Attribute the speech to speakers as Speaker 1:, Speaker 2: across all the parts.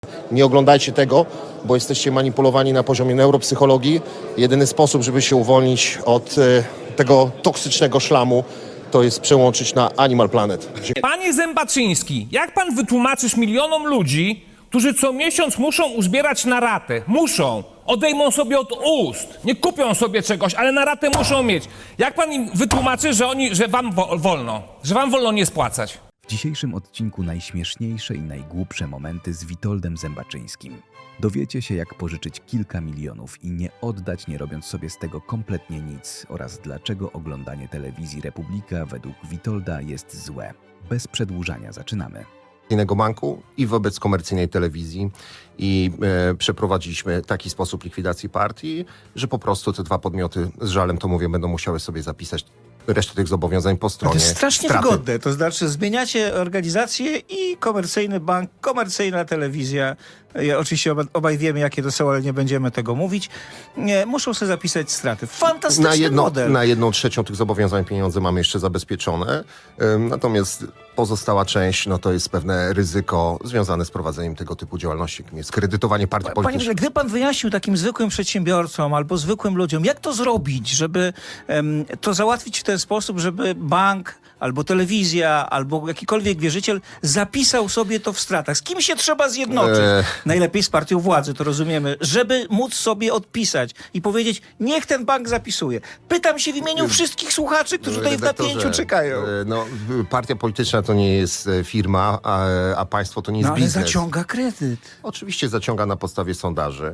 Speaker 1: Nie oglądajcie tego, bo jesteście manipulowani na poziomie neuropsychologii. Jedyny sposób, żeby się uwolnić od tego toksycznego szlamu, to jest przełączyć na Animal Planet.
Speaker 2: Panie Zębaczyński, jak pan wytłumaczysz milionom ludzi, którzy co miesiąc muszą uzbierać na ratę? Muszą. Odejmą sobie od ust. Nie kupią sobie czegoś, ale na ratę muszą mieć. Jak pan im wytłumaczy, że wam wolno? Że wam wolno nie spłacać?
Speaker 3: W dzisiejszym odcinku najśmieszniejsze i najgłupsze momenty z Witoldem Zębaczyńskim. Dowiecie się, jak pożyczyć kilka milionów i nie oddać, nie robiąc sobie z tego kompletnie nic, oraz dlaczego oglądanie telewizji Republika według Witolda jest złe. Bez przedłużania zaczynamy.
Speaker 1: Banku i wobec komercyjnej telewizji i przeprowadziliśmy taki sposób likwidacji partii, że po prostu te dwa podmioty, z żalem to mówię, będą musiały sobie zapisać resztę tych zobowiązań po
Speaker 4: To
Speaker 1: stronie
Speaker 4: jest strasznie
Speaker 1: straty.
Speaker 4: wygodne, to znaczy zmieniacie organizację i komercyjny bank, komercyjna telewizja, oczywiście obaj wiemy, jakie to są, ale nie będziemy tego mówić, muszą sobie zapisać straty. Fantastyczny model.
Speaker 1: Na 1/3 tych zobowiązań pieniądze mamy jeszcze zabezpieczone, natomiast pozostała część, no to jest pewne ryzyko związane z prowadzeniem tego typu działalności, jakim jest kredytowanie partii
Speaker 4: Panie
Speaker 1: politycznych.
Speaker 4: Boże, gdyby pan wyjaśnił takim zwykłym przedsiębiorcom albo zwykłym ludziom, jak to zrobić, żeby to załatwić w ten sposób, żeby bank albo telewizja, albo jakikolwiek wierzyciel zapisał sobie to w stratach. Z kim się trzeba zjednoczyć? Najlepiej z partią władzy, to rozumiemy, żeby móc sobie odpisać i powiedzieć, niech ten bank zapisuje. Pytam się w imieniu wszystkich słuchaczy, którzy tutaj w napięciu czekają.
Speaker 1: No, partia polityczna to nie jest firma, a państwo to nie jest
Speaker 4: No ale
Speaker 1: biznes.
Speaker 4: zaciąga kredyt.
Speaker 1: Oczywiście zaciąga na podstawie sondaży.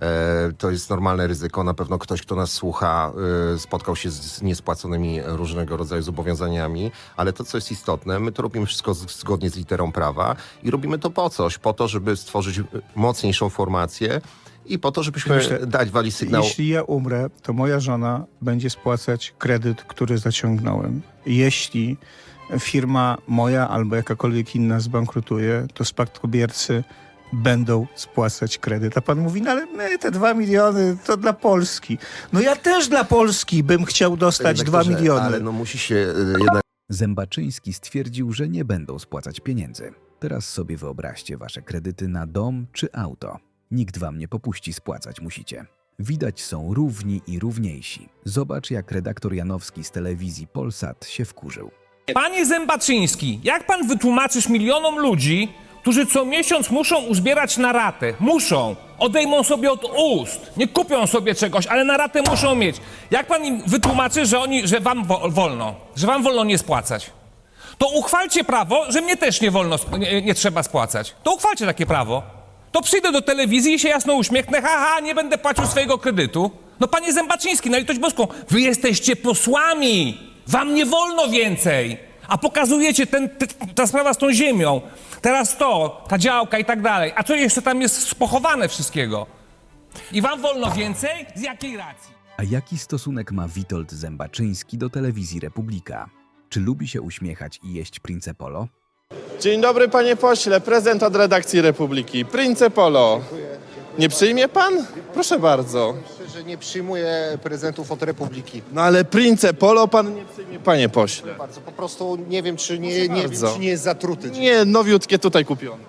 Speaker 1: To jest normalne ryzyko. Na pewno ktoś, kto nas słucha, spotkał się z niespłaconymi różnego rodzaju zobowiązaniami, ale to, co jest istotne, my to robimy wszystko zgodnie z literą prawa i robimy to po coś, po to, żeby stworzyć mocniejszą formację i po to, żebyśmy dać wali sygnał.
Speaker 4: Jeśli ja umrę, to moja żona będzie spłacać kredyt, który zaciągnąłem. Jeśli firma moja albo jakakolwiek inna zbankrutuje, to spadkobiercy będą spłacać kredyt. A pan mówi, no ale my te 2 miliony to dla Polski. No ja też dla Polski bym chciał dostać 2 miliony.
Speaker 1: Ale no musi się jednak...
Speaker 3: Zębaczyński stwierdził, że nie będą spłacać pieniędzy. Teraz sobie wyobraźcie wasze kredyty na dom czy auto. Nikt wam nie popuści, spłacać musicie. Widać są równi i równiejsi. Zobacz, jak redaktor Janowski z telewizji Polsat się wkurzył.
Speaker 2: Panie Zębaczyński, jak pan wytłumaczysz milionom ludzi, którzy co miesiąc muszą uzbierać na ratę? Muszą. Odejmą sobie od ust. Nie kupią sobie czegoś, ale na ratę muszą mieć. Jak pan im wytłumaczy, że wam wolno? Że wam wolno nie spłacać? To uchwalcie prawo, że mnie też nie trzeba spłacać. To uchwalcie takie prawo. To przyjdę do telewizji i się jasno uśmiechnę, haha, nie będę płacił swojego kredytu. No panie Zębaczyński, na litość boską, wy jesteście posłami, wam nie wolno więcej. A pokazujecie ta sprawa z tą ziemią, teraz to, ta działka i tak dalej. A co jeszcze tam jest pochowane wszystkiego? I wam wolno więcej? Z jakiej racji?
Speaker 3: A jaki stosunek ma Witold Zębaczyński do telewizji Republika? Czy lubi się uśmiechać i jeść Prince Polo?
Speaker 5: Dzień dobry, panie pośle. Prezent od redakcji Republiki. Prince Polo. Nie przyjmie pan? Proszę bardzo.
Speaker 1: Myślę, że nie przyjmuję prezentów od Republiki.
Speaker 5: No ale Prince Polo pan nie przyjmie, panie pośle.
Speaker 1: Bardzo, po prostu nie wiem, czy nie jest zatruty.
Speaker 5: Nie, nowiutkie tutaj kupione.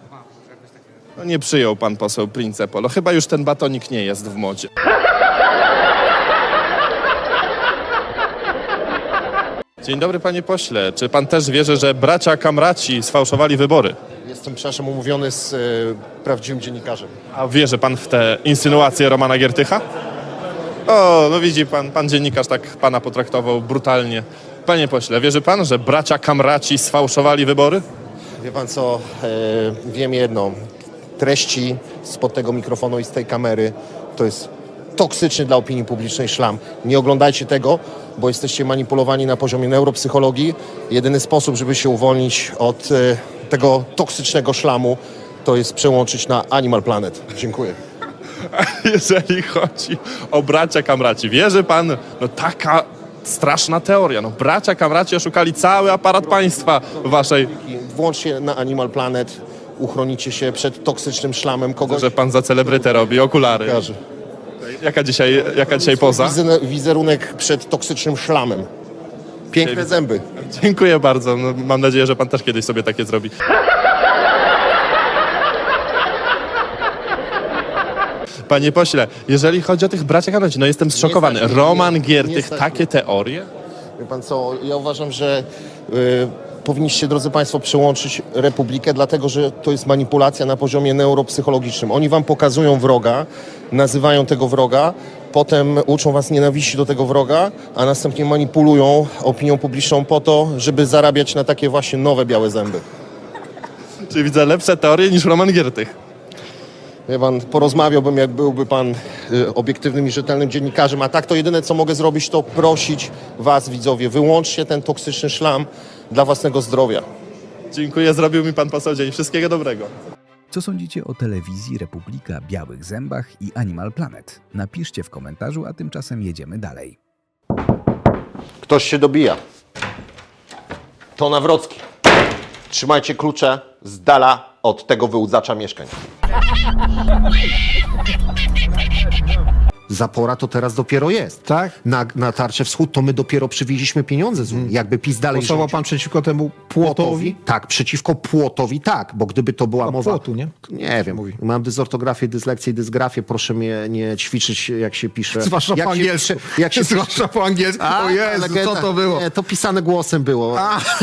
Speaker 5: No nie przyjął pan poseł Prince Polo. Chyba już ten batonik nie jest w modzie. Dzień dobry, panie pośle. Czy pan też wierzy, że bracia Kamraci sfałszowali wybory?
Speaker 1: Jestem, przepraszam, umówiony z prawdziwym dziennikarzem.
Speaker 5: A wierzy pan w te insynuacje Romana Giertycha? O, no widzi pan, pan dziennikarz tak pana potraktował brutalnie. Panie pośle, wierzy pan, że bracia Kamraci sfałszowali wybory?
Speaker 1: Wie pan co, wiem jedno. Treści spod tego mikrofonu i z tej kamery to jest toksyczny dla opinii publicznej szlam. Nie oglądajcie tego, bo jesteście manipulowani na poziomie neuropsychologii. Jedyny sposób, żeby się uwolnić od tego toksycznego szlamu, to jest przełączyć na Animal Planet. Dziękuję.
Speaker 5: Jeżeli chodzi o bracia Kamraci, wierzy pan, no taka straszna teoria, no bracia Kamraci oszukali cały aparat państwa waszej...
Speaker 1: Włączcie na Animal Planet, uchronicie się przed toksycznym szlamem kogoś.
Speaker 5: Że pan za celebrytę robi, okulary.
Speaker 1: Kojarzy.
Speaker 5: Jaka dzisiaj poza?
Speaker 1: Wizerunek przed toksycznym szlamem. Piękne zęby.
Speaker 5: Dziękuję bardzo, no, mam nadzieję, że pan też kiedyś sobie takie zrobi. Panie pośle, jeżeli chodzi o tych bracia Kamraci, no jestem zszokowany.
Speaker 1: stać mnie,
Speaker 5: Roman
Speaker 1: nie
Speaker 5: Giertych,
Speaker 1: stać
Speaker 5: takie teorie?
Speaker 1: Wie pan co, ja uważam, że powinniście, drodzy państwo, przełączyć Republikę, dlatego że to jest manipulacja na poziomie neuropsychologicznym. Oni wam pokazują wroga, nazywają tego wroga, potem uczą was nienawiści do tego wroga, a następnie manipulują opinią publiczną po to, żeby zarabiać na takie właśnie nowe białe zęby.
Speaker 5: Czyli widzę lepsze teorie niż Roman Giertych.
Speaker 1: Wie pan, porozmawiałbym, jak byłby pan obiektywnym i rzetelnym dziennikarzem, a tak to jedyne, co mogę zrobić, to prosić was, widzowie, wyłączcie ten toksyczny szlam dla własnego zdrowia.
Speaker 5: Dziękuję, zrobił mi pan poseł dzień. Wszystkiego dobrego.
Speaker 3: Co sądzicie o telewizji Republika, Białych Zębach i Animal Planet? Napiszcie w komentarzu, a tymczasem jedziemy dalej.
Speaker 1: Ktoś się dobija. To Nawrocki. Trzymajcie klucze z dala od tego wyłudzacza mieszkań. Zapora to teraz dopiero jest.
Speaker 6: Tak?
Speaker 1: Na Tarczę Wschód to my dopiero przywieźliśmy pieniądze z Unii. Jakby PiS dalej
Speaker 6: Głosował
Speaker 1: rządził.
Speaker 6: pan przeciwko temu płotowi?
Speaker 1: Tak, przeciwko płotowi tak, bo gdyby to była
Speaker 6: A
Speaker 1: mowa...
Speaker 6: płotu, nie?
Speaker 1: Nie wiem, mam dysortografię, dyslekcję i dysgrafię, proszę mnie nie ćwiczyć, jak się pisze.
Speaker 6: Zwłaszcza
Speaker 1: jak
Speaker 6: po
Speaker 1: się
Speaker 6: angielsku.
Speaker 1: pisze- Jak się
Speaker 6: Zwłaszcza po angielsku.
Speaker 1: A,
Speaker 6: O Jezu,
Speaker 1: legenda.
Speaker 6: co to było?
Speaker 1: Nie, to pisane głosem było.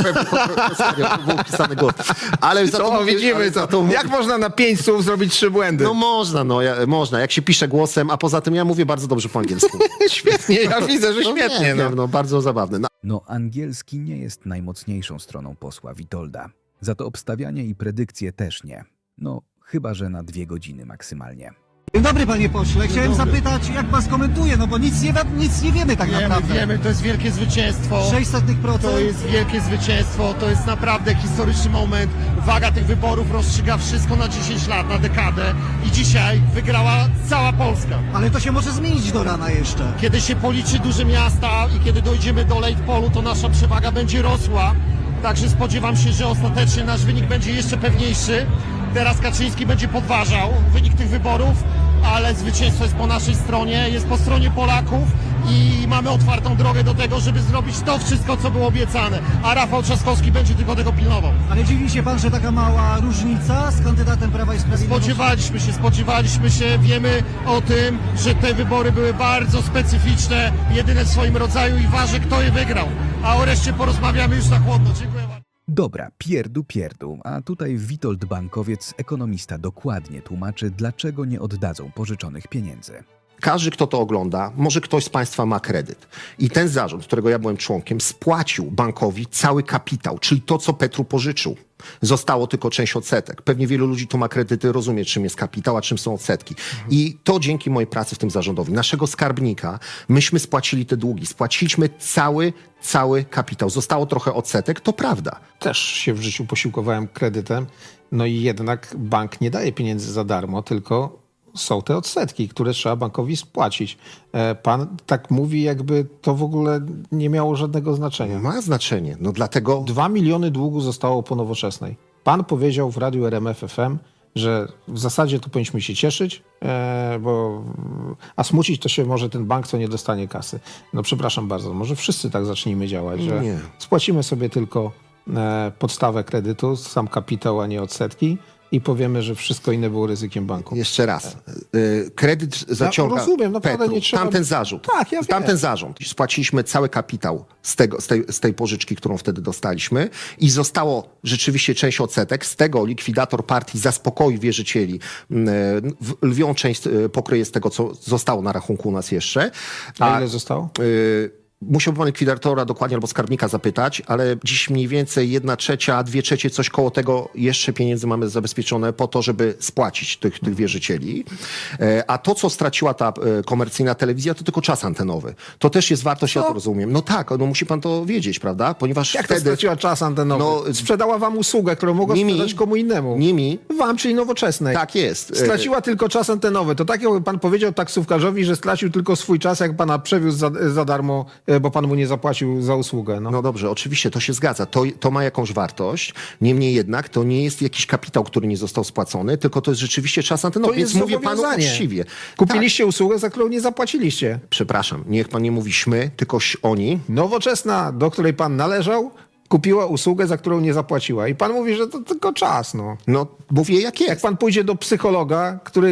Speaker 1: Serio, to było pisane głosem. Ale za
Speaker 6: To
Speaker 1: mówię,
Speaker 6: widzimy,
Speaker 1: ale
Speaker 6: co.
Speaker 1: za to mówię-
Speaker 6: Jak można na 5 słów zrobić 3 błędy?
Speaker 1: No można, można, jak się pisze głosem, a poza tym ja mówię bardzo dobrze po angielsku.
Speaker 6: Świetnie, ja widzę, że świetnie.
Speaker 1: Wiem, no bardzo zabawne.
Speaker 3: No, angielski nie jest najmocniejszą stroną posła Witolda. Za to obstawianie i predykcje też nie. No, chyba że na 2 godziny maksymalnie.
Speaker 7: Dzień dobry, panie pośle. Chciałem zapytać, jak pan skomentuje, no bo nic nie wiemy tak naprawdę.
Speaker 8: Wiemy, to jest wielkie zwycięstwo.
Speaker 7: 0,06%.
Speaker 8: To jest wielkie zwycięstwo, to jest naprawdę historyczny moment. Waga tych wyborów rozstrzyga wszystko na 10 lat, na dekadę i dzisiaj wygrała cała Polska.
Speaker 7: Ale to się może zmienić do rana jeszcze.
Speaker 8: Kiedy się policzy duże miasta i kiedy dojdziemy do late polu, to nasza przewaga będzie rosła. Także spodziewam się, że ostatecznie nasz wynik będzie jeszcze pewniejszy. Teraz Kaczyński będzie podważał wynik tych wyborów, ale zwycięstwo jest po naszej stronie, jest po stronie Polaków i mamy otwartą drogę do tego, żeby zrobić to wszystko, co było obiecane. A Rafał Trzaskowski będzie tylko tego pilnował.
Speaker 7: Ale dziwi się pan, że taka mała różnica z kandydatem Prawa i Sprawiedliwości?
Speaker 8: Spodziewaliśmy się, wiemy o tym, że te wybory były bardzo specyficzne, jedyne w swoim rodzaju i ważne, kto je wygrał. A o reszcie porozmawiamy już na chłodno. Dziękuję bardzo.
Speaker 3: Dobra, pierdu, a tutaj Witold Bankowiec, ekonomista, dokładnie tłumaczy, dlaczego nie oddadzą pożyczonych pieniędzy.
Speaker 1: Każdy, kto to ogląda, może ktoś z państwa ma kredyt. I ten zarząd, którego ja byłem członkiem, spłacił bankowi cały kapitał, czyli to, co Petru pożyczył. Zostało tylko część odsetek. Pewnie wielu ludzi, kto ma kredyty, rozumie, czym jest kapitał, a czym są odsetki. I to dzięki mojej pracy w tym zarządowi, naszego skarbnika, myśmy spłacili te długi. Spłaciliśmy cały kapitał. Zostało trochę odsetek, to prawda.
Speaker 6: Też się w życiu posiłkowałem kredytem, no i jednak bank nie daje pieniędzy za darmo, tylko są te odsetki, które trzeba bankowi spłacić. Pan tak mówi, jakby to w ogóle nie miało żadnego znaczenia.
Speaker 1: Ma znaczenie. No dlatego
Speaker 6: 2 miliony długu zostało po Nowoczesnej. Pan powiedział w radiu RMF FM, że w zasadzie to powinniśmy się cieszyć, a smucić to się może ten bank, co nie dostanie kasy. No przepraszam bardzo, może wszyscy tak zacznijmy działać, że
Speaker 1: Nie.
Speaker 6: spłacimy sobie tylko podstawę kredytu, sam kapitał, a nie odsetki i powiemy, że wszystko inne było ryzykiem banku.
Speaker 1: jeszcze raz. Kredyt zaciąga
Speaker 6: rozumiem, naprawdę
Speaker 1: Petru.
Speaker 6: nie trzeba-
Speaker 1: Tamten zarząd.
Speaker 6: Tak, ja wiem.
Speaker 1: Tamten zarząd. Spłaciliśmy cały kapitał z tej pożyczki, którą wtedy dostaliśmy i zostało rzeczywiście część odsetek. Z tego likwidator partii zaspokoi wierzycieli. Lwią część pokryje z tego, co zostało na rachunku u nas jeszcze.
Speaker 6: A ile zostało?
Speaker 1: Musiałby pan likwidatora dokładnie albo skarbnika zapytać, ale dziś mniej więcej 1/3, 2/3, coś koło tego jeszcze pieniędzy mamy zabezpieczone po to, żeby spłacić tych wierzycieli. A to, co straciła ta komercyjna telewizja, to tylko czas antenowy. To też jest wartość, ja to rozumiem. No tak, no musi pan to wiedzieć, prawda? Ponieważ
Speaker 6: Jak to
Speaker 1: wtedy
Speaker 6: straciła czas antenowy?
Speaker 1: No,
Speaker 6: sprzedała wam usługę, którą mogła
Speaker 1: Nimi-
Speaker 6: sprzedać komu innemu.
Speaker 1: nimi
Speaker 6: Wam, czyli Nowoczesnej.
Speaker 1: tak jest.
Speaker 6: Straciła tylko czas antenowy. To tak jakby pan powiedział taksówkarzowi, że stracił tylko swój czas, jak pana przewiózł za darmo, bo pan mu nie zapłacił za usługę. No.
Speaker 1: No dobrze, oczywiście, to się zgadza. To ma jakąś wartość. Niemniej jednak to nie jest jakiś kapitał, który nie został spłacony, tylko to jest rzeczywiście czas antenowy.
Speaker 6: To jest
Speaker 1: Więc mówię panu
Speaker 6: zobowiązanie.
Speaker 1: uczciwie.
Speaker 6: Kupiliście usługę, za którą nie zapłaciliście.
Speaker 1: Przepraszam, niech pan nie mówi śmy, tylko oni.
Speaker 6: Nowoczesna, do której pan należał kupiła usługę, za którą nie zapłaciła. I pan mówi, że to tylko czas, no.
Speaker 1: No, mówię jak
Speaker 6: Jak
Speaker 1: jest.
Speaker 6: pan pójdzie do psychologa, który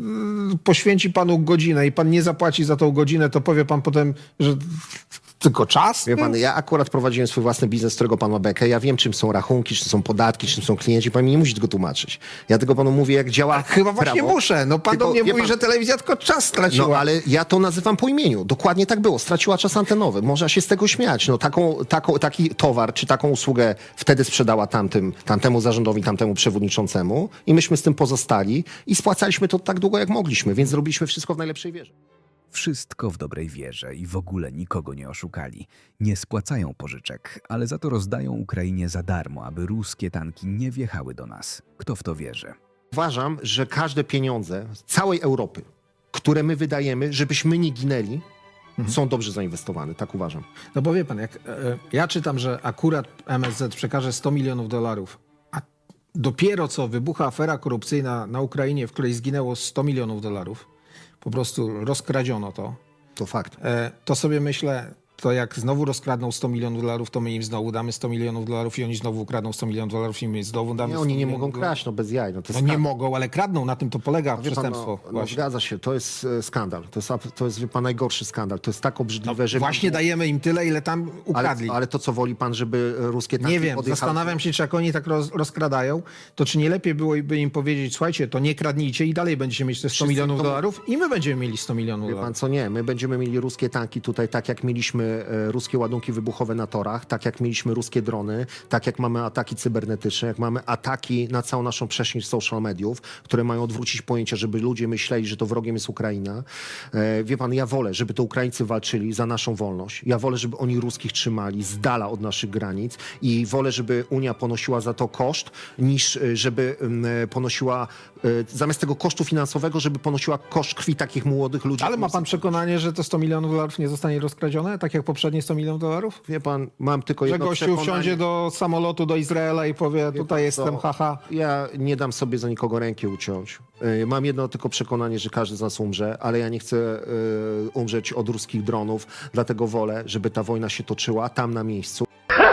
Speaker 6: poświęci panu godzinę i pan nie zapłaci za tą godzinę, to powie pan potem, że tylko czas?
Speaker 1: Wie pan, ja akurat prowadziłem swój własny biznes, z którego pan ma bekę. Ja wiem, czym są rachunki, czym są podatki, czym są klienci. Pan mi nie musi tego tłumaczyć. Ja tego panu mówię, jak działa
Speaker 6: Chyba właśnie
Speaker 1: prawo.
Speaker 6: muszę. No pan
Speaker 1: Tylko,
Speaker 6: do mnie
Speaker 1: wie
Speaker 6: mówi,
Speaker 1: pan-
Speaker 6: że telewizja tylko czas straciła.
Speaker 1: No, ale ja to nazywam po imieniu. Dokładnie tak było. Straciła czas antenowy. Można się z tego śmiać. No, taki towar, czy taką usługę wtedy sprzedała tamtemu zarządowi, tamtemu przewodniczącemu i myśmy z tym pozostali i spłacaliśmy to tak długo, jak mogliśmy, więc zrobiliśmy wszystko w najlepszej wierze.
Speaker 3: Wszystko w dobrej wierze i w ogóle nikogo nie oszukali. Nie spłacają pożyczek, ale za to rozdają Ukrainie za darmo, aby ruskie tanki nie wjechały do nas. Kto w to wierzy?
Speaker 1: Uważam, że każde pieniądze z całej Europy, które my wydajemy, żebyśmy nie ginęli, są dobrze zainwestowane. Tak uważam.
Speaker 6: No bo wie pan, jak ja czytam, że akurat MSZ przekaże $100 milionów, a dopiero co wybucha afera korupcyjna na Ukrainie, w której zginęło $100 milionów, po prostu rozkradziono to,
Speaker 1: To fakt.
Speaker 6: to sobie myślę, to jak znowu rozkradną $100 milionów, to my im znowu damy $100 milionów i oni znowu ukradną $100 milionów i my znowu damy
Speaker 1: Nie,
Speaker 6: 100
Speaker 1: oni nie
Speaker 6: milionów
Speaker 1: mogą
Speaker 6: dolarów.
Speaker 1: kraść, no bez jaj. No, to
Speaker 6: No
Speaker 1: jest
Speaker 6: nie mogą, ale kradną, na tym to polega
Speaker 1: Wie pan,
Speaker 6: przestępstwo.
Speaker 1: no,
Speaker 6: właśnie.
Speaker 1: zgadza się, to jest skandal. To jest wie pan, najgorszy skandal. To jest tak obrzydliwe, że...
Speaker 6: Właśnie dajemy im tyle, ile tam ukradli.
Speaker 1: ale to co woli pan, żeby ruskie tanki
Speaker 6: Nie wiem,
Speaker 1: odjechały?
Speaker 6: zastanawiam się, czy jak oni tak rozkradają, to czy nie lepiej byłoby im powiedzieć, słuchajcie, to nie kradnijcie i dalej będziecie mieć te $100
Speaker 1: Wszyscy
Speaker 6: milionów
Speaker 1: to-
Speaker 6: dolarów i my będziemy mieli $100 milionów
Speaker 1: Wie pan
Speaker 6: dolarów.
Speaker 1: co, nie, my będziemy mieli ruskie tanki tutaj, tak jak mieliśmy ruskie ładunki wybuchowe na torach, tak jak mieliśmy ruskie drony, tak jak mamy ataki cybernetyczne, jak mamy ataki na całą naszą przestrzeń social mediów, które mają odwrócić pojęcie, żeby ludzie myśleli, że to wrogiem jest Ukraina. Wie pan, ja wolę, żeby to Ukraińcy walczyli za naszą wolność. Ja wolę, żeby oni ruskich trzymali z dala od naszych granic i wolę, żeby Unia ponosiła za to koszt, niż żeby ponosiła, zamiast tego kosztu finansowego, żeby ponosiła koszt krwi takich młodych ludzi.
Speaker 6: Ale ma pan przekonanie, że to $100 milionów dolarów nie zostanie rozkradzione, tak jak poprzednie $100 milionów dolarów?
Speaker 1: Wie pan, mam tylko
Speaker 6: Że
Speaker 1: jedno
Speaker 6: gościu
Speaker 1: przekonanie.
Speaker 6: wsiądzie do samolotu do Izraela i powie, tutaj
Speaker 1: pan
Speaker 6: jestem,
Speaker 1: co?
Speaker 6: haha.
Speaker 1: Ja nie dam sobie za nikogo ręki uciąć. Mam jedno tylko przekonanie, że każdy z nas umrze, ale ja nie chcę umrzeć od ruskich dronów, dlatego wolę, żeby ta wojna się toczyła tam na miejscu.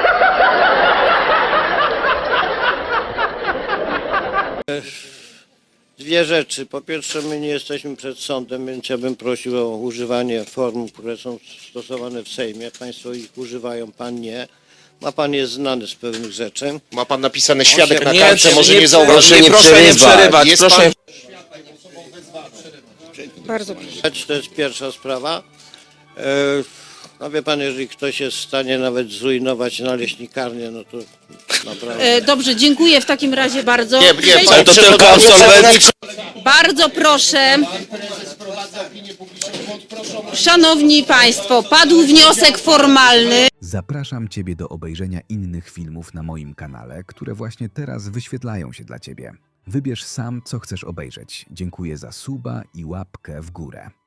Speaker 9: Dwie rzeczy. Po pierwsze, my nie jesteśmy przed sądem, więc ja bym prosił o używanie form, które są stosowane w Sejmie. Państwo ich używają, pan nie. Ma pan jest znany z pewnych rzeczy.
Speaker 10: Ma pan napisane świadek na
Speaker 9: Nie,
Speaker 10: kartce, może nie
Speaker 9: nie
Speaker 10: zauważyć.
Speaker 9: proszę nie przerywać.
Speaker 10: Jest
Speaker 9: Proszę.
Speaker 10: pan...
Speaker 9: Bardzo proszę. To jest pierwsza sprawa. No wie pan, jeżeli ktoś jest w stanie nawet zrujnować naleśnikarnię, no to naprawdę...
Speaker 11: Dobrze, dziękuję w takim razie bardzo.
Speaker 10: Nie,
Speaker 11: Przejdźmy-
Speaker 10: ale to tylko absolwenci.
Speaker 11: Bardzo proszę. Szanowni Państwo, padł wniosek formalny.
Speaker 3: Zapraszam Ciebie do obejrzenia innych filmów na moim kanale, które właśnie teraz wyświetlają się dla Ciebie. Wybierz sam, co chcesz obejrzeć. Dziękuję za suba i łapkę w górę.